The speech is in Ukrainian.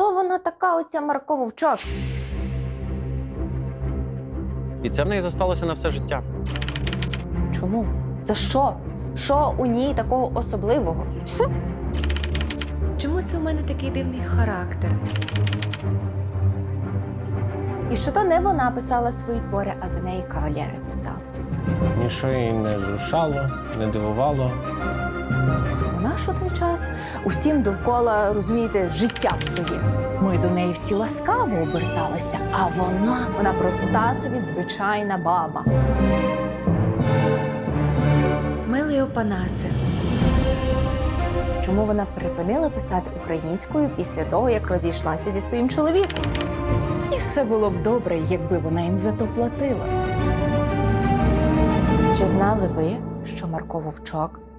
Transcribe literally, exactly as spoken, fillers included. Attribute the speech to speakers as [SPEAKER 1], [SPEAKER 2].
[SPEAKER 1] хто вона така, оця Марко Вовчок?
[SPEAKER 2] І це в неї зосталося на все життя.
[SPEAKER 1] Чому? За що? Що у ній такого особливого?
[SPEAKER 3] Чому це у мене такий дивний характер?
[SPEAKER 1] І що то не вона писала свої твори, а за неї кавалери писали.
[SPEAKER 4] Ніщо її не зрушало, не дивувало.
[SPEAKER 1] Вона ж у той час усім довкола, розумієте, життя псує.
[SPEAKER 5] Ми до неї всі ласкаво оберталися, а вона...
[SPEAKER 1] Вона проста собі звичайна баба.
[SPEAKER 3] Милий Опанасе,
[SPEAKER 1] Чому вона припинила писати українською після того, як розійшлася зі своїм чоловіком?
[SPEAKER 5] І все було б добре, якби вона їм за то платила.
[SPEAKER 1] Чи знали ви, що Марко Вовчок